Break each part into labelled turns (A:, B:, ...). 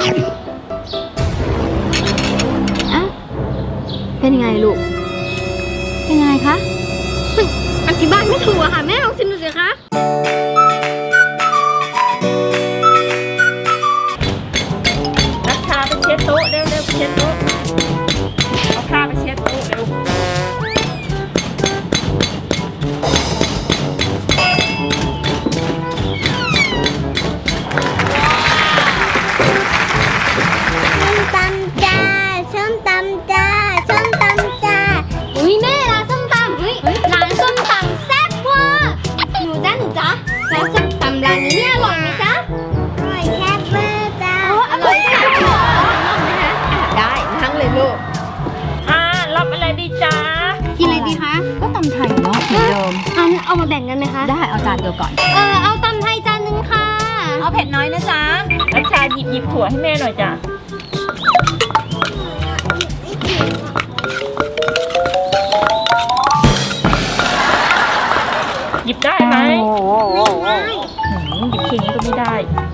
A: อ่ะเป็นยังไงลูกเป็นยังไงคะอธิบายไม่ถูกอะค่ะแม่ลองชิมดูสิคะ
B: นักชาไปเช็ดโต๊ะเร็วๆเช็ดโต๊ะเอาผ้าไปเช็ดโต๊ะเร็ว
A: ส้มตำจ้าอุ้ยแม่ร้านส้มตำร้านส้มตำแซ่บว่ะหนูจ๊ะร้านส้มตำร้านนี้เนี่ยอร่อยไหมจ๊ะอร่อยแซ่บเวอร์จ้าอร่อยแซ่บเหรอได้นั่งเลยลูก
B: รับอะไรดีจ้า
A: กินอะไรดีคะ
C: ก็ตำไทยเนาะเหมือนเดิม
A: เอามาแบ่งกันไหมคะ
C: ได้เอาจานเดียวก่อน
A: เอาตำไทยจานนึงค่ะ
C: เอาเผ็ดน้อยนะจ๊ะ
B: นักชาหยิบถั่วให้แม่หน่อยจ้ะหยิบได้ไหม
A: ไม่ได้
B: หยิบทีนี้ก็ไม่ได้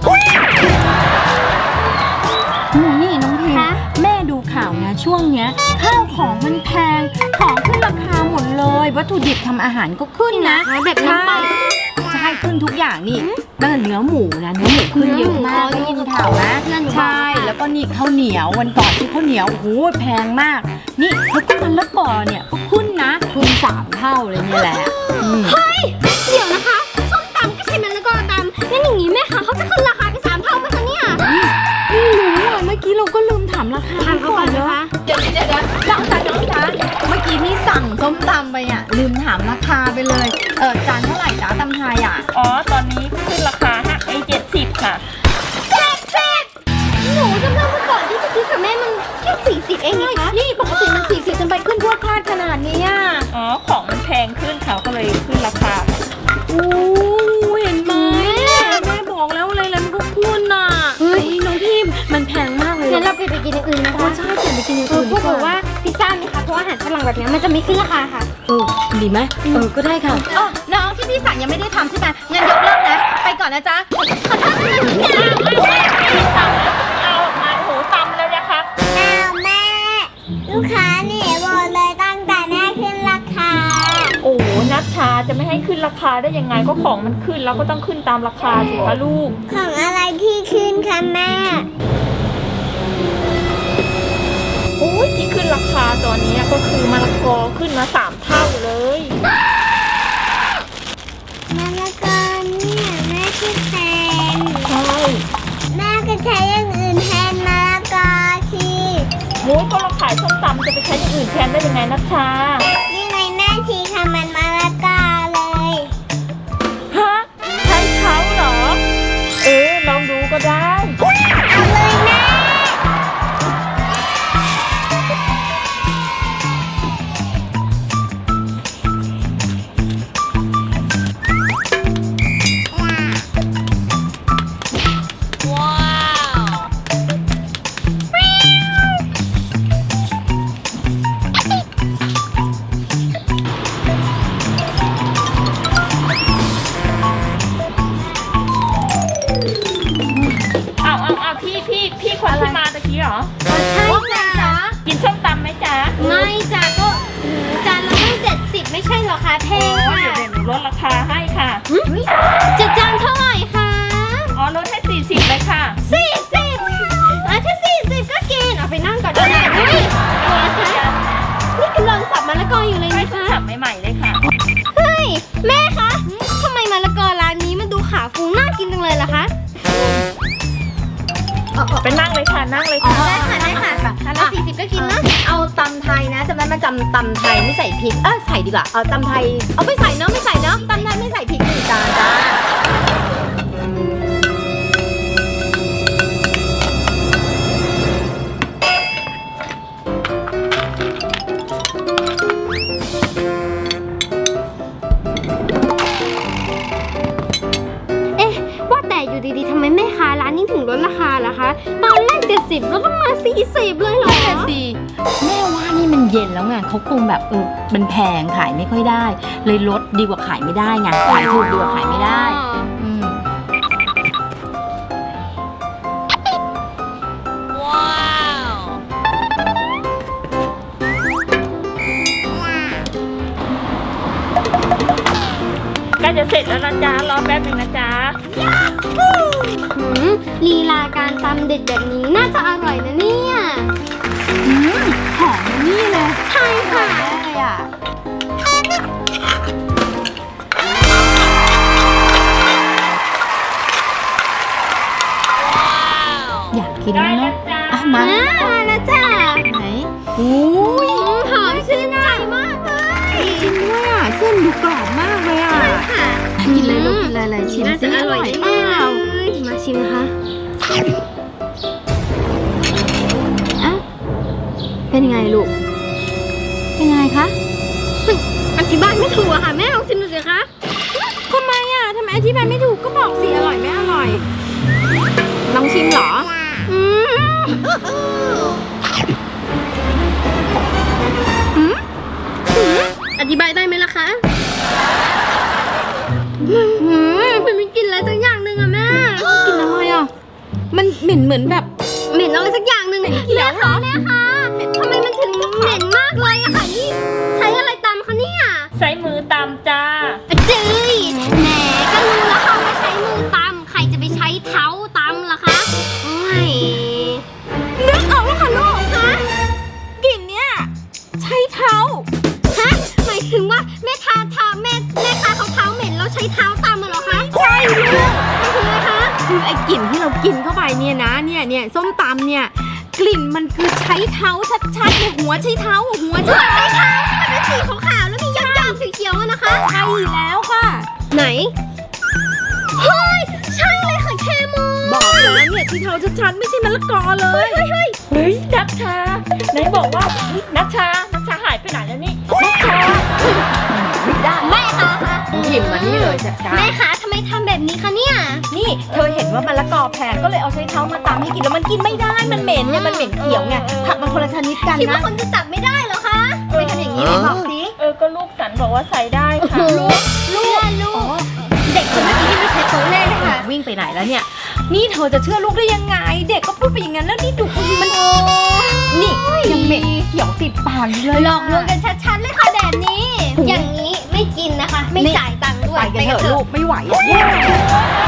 C: นี่น้องพิมแม่ดูข่าวนะช่วงเนี้ยข้าวของมันแพงของขึ้นราคาหมดเลยวัตถุดิบทำอาหารก็ขึ้นนะ
A: แบบน้ำไป
C: ใช่ขึ้นทุกอย่างนี่ตั้งแต่เนื้อหมูขึ้นเยอะมากได้ยินข่าวนะใช่แล้วก็นี่ข้าวเหนียววันก่อนที่ข้าวเหนียวโอ้โหแพงมากนี่แล้วก็มันละกอเนี่ยก็ขึ้นนะทุน3 เท่าเลยเนี่ยแหละ
A: เฮ้ยเดี๋ยวนะคะส้มตำก็ใช่มันแล้วก็ตำงั้นอย่างนี้แม่คะเขาจะขึ้นราคาไป3 เท่าไหมคะเนี่ย
C: ไม่รู้อ่ะเมื่อกี้เราก็ลืมถามราคา
A: เขาก่อนนะคะ
C: เดี๋ยวน้องจ๊ะเมื่อกี้นี่สั่งส้มตำไปอ่ะลืมถามราคาไปเลยจานเท่าไหร่จ๊ะตำไทยอ่ะ
B: ตอนนี้ขึ้นราคา70ค่ะ
A: หนูจำได้เมื่อก่อนที่จะซื้อกับแม่มันแค่40เองนะคะ
C: นี่ปกติมัน40จนไปขึ้นพวดพลาดขนาดนี้อ่ะ
B: ของมันแพงขึ้นเขาก็เลยขึ้นราคา
C: โอ้เห็นไหมแม่บอกแล้วอะไรมันก็ขึ้นน่ะเฮ้ยน้องพิมมันแพงมากเลย
A: งั้นเราไปกินอย่างอื่นนะคะ
C: ใช่เปลี่ยนไปกินอย่างอื่น
A: พวกบอกว่าพิซซ่าไหมคะเพราะอาหารฝรั่งแบบนี้มันจะไม่ขึ้นราคาค่ะ
C: ดีไหมก็ได้ค่ะน้องที่พี่สั่งยังไม่ได้ทำใช่ไหมงั้นยกเลิกนะไปก่อนนะจ๊ะขอโทษ
B: สั่งแล้วเอามาโหตำแล้วนะคะ
A: แม่ลูกค้าหนีหมดเลยตั้งแต่แม่ขึ้นราคา
B: โอ้นัชชาจะไม่ให้ขึ้นราคาได้ยังไงก็ของมันขึ้นแล้วก็ต้องขึ้นตามราคาสิคะลูก
A: ของอะไรที่ขึ้นคะแม่
B: โอ้ยที่ขึ้นราคาตอนนี้ก็คือมะละกอขึ้นมา3 เท่าเลย
A: มะละกอเนี่ยแม่คิดแทน
B: ใช่
A: แม่ก็ใช้อย่างอื่นแทนมะละกอสิ
B: โอ้ก็เราขายส้มตำจะไปใช้อย่างอื่นแทนได้ยังไงนัชชา
A: นี่ไงแม่ชีทำมันมะละกอเลย
B: ฮะใช่เขาเหรอลองดูก็ได้
A: เอาเลยแม่
B: พี่คนที่มาตะกี้เหรอ
A: ใช่จ้ะ
B: กินส้มตำไหมจ๊ะ
A: ไม่จ้ะก็จานละตั้ง70ไม่ใช่หรอคะแพงค่ะ
B: เดี๋ยวหนูลดราคาให้ค่ะ
A: จะจานเท่าไหร่คะ
B: ลดให้40เลยค่ะ
A: ถ้า40ก็กินเอาไปนั่งก่อนนะนี่กำลังสับมะละกออยู่เลยนะคะ
B: สับใหม่ๆเลยค่ะ
A: เฮ้ยแม่คะทำไมมะละกอร้านนี้มันดูขาวฟูน่ากินจังเลยล่ะคะ
B: ไปนั่งเลยค่ะนั่งเลยค่ะ
A: ได้ค่ะจานละ40ก็กินนะ
C: เอาตำไทยนะจำได้มาจำตำไทยไม่ใส่พริกใส่ดีกว่าเอาตำไทยเอาไม่ใส่เนาะตำไทยไม่ใส่พริก1 จานจ้า
A: อยู่ดีๆทำไมแม่ค้าร้านนี้ถึงลดราคาล่ะคะตอนแรก70แล้วก็มา40เลยเหรอ
C: แม่ว่านี่มันเย็นแล้วไงเขาคงแบบมันแพงขายไม่ค่อยได้เลยลดดีกว่าขายไม่ได้ไงขายถูกดีกว่าขายไม่ได้
B: จะเสร็จแล้วนะจ๊ะรอแป๊บหนึงนะจ๊ะ
A: ลีลาการตำเด็ดแบบนี้น่าจะอร่อยนะเนี่ย
C: หอมนี่เลย
A: ใช่ค่ะ
C: เลยอ่ะอยากกิน
B: ได้
C: แล้ว
B: นะ
C: เนาะ
B: จ๊ะ
C: อ่ะมา
A: มาแล้วจ้า
C: ไหนอุ้ย
A: หอมชื่นใจมากเลย
C: จริงด้วยอ่ะเส้นดูกรอบมากเลยอ่ะ
A: ค่ะ
C: กินเลยลูกกินเลยชิม
A: น่า
C: สิ
A: จะอร่อย
C: เป
A: แน่
C: ล่า
A: เลยมาชิมนะคะอ่ะ
C: เป็นยังไงลูก เป็นยังไงคะ
A: อธิบายไม่ถูกอะค่ะแม่ลองชิมดูสิคะ
C: ทำไมอ่ะทำไมอธิบายไม่ถูกก็บอกสิอร่อยไม่อร่อยลองชิมเหรอ
A: อืมอธิบายได้ไหมล่ะคะมันมีกลิ่นอะไรสักอย่างหนึ่งอะแม่
C: กินอะไรอ่ะมันเหม็นเหมือนแบบ
A: เหม็นอะไรสักอย่างหนึ่ง
C: เขียวเหรอ
A: แม่คะทำไมมันถึงเหม็นมากเลยอะค่ะนี่ใช้อะไรตำคะเนี่ย
B: ใช้มือตำจ้า
A: จื้ยแหมก็รู้แล้วค่ะว่าใช้มือตำใครจะไปใช้เท้าตำล่ะคะโอ้ย
C: นึกออกแล้วค่ะลูก
A: ฮะ
C: กลิ่นเนี้ยใช้เท้า
A: ฮะหมายถึงว่าแม่ค้าเขาเท้าเหม็นแล้วใช้เท้าตำมาเหรอคะ
C: ใช่ลูก
A: คืออะไรคะ
C: คือไอ้กลิ่นที่เรากินเข้าไปเนี่ยนะเนี่ยส้มตำเนี่ยกลิ่นมันคือใช้เท้าชัดๆเนี่ยหัวใช้เท้าหัวใช้
A: ใช้เท้าที่มันเป็นสีขาวๆแล้วมีหยาบๆเขียวๆอะนะคะ
C: ใช่แล้วค่ะ
A: ไหนเฮ้ยใช่เลยค่ะแคมู
C: บอกแล้วเนี่ยที่เท้าชัดๆไม่ใช่มะละกอเลย
B: เฮ้ยนัชชาไหนบอกว่าเฮ้ยนัชชาหายไปไหนแล้วนี่นัชชา
A: แม่คะ
C: หยิบมานี่เลยจัดการ
A: แม่คะทำไมทำแบบนี้คะเนี่ย
C: นี่เธอเห็นว่ามะละกอแพงก็เลยเอาใช้เท้ามาตำให้กินแล้วมันกินไม่ได้มันเหม็นเนี่ยมันเหม็นเขียวไงผักมันคนละชนิดกัน
A: คิดว่า
C: นะ
A: คนจะจับไม่ได้เหรอคะไปทำอย่างนี้เลยบอกสิ
B: ก็ลูกสันบอกว่าใส่ได้ค่ะ
A: ลูกเด็กคนเมื่อกี้ที่ไม่ใช้โต๊ะแรกเลยค่ะ
C: วิ่งไปไหนแล้วเนี่ย นี่เธอจะเชื่อลูกได้ยังไง เด็กก็พูดไปอย่างนั้นแล้วนี่ดูมันนี่ยังเหม็นเขียวติดปากอยู่เลย
A: หลอกลวงกันชัดๆเลยค่ะแบบนี้ อย่างนี้ไม่กินนะคะ ไม่จ่ายตังค์ด้วย
C: ไปกันเถอะลูกไม่ไหวอะ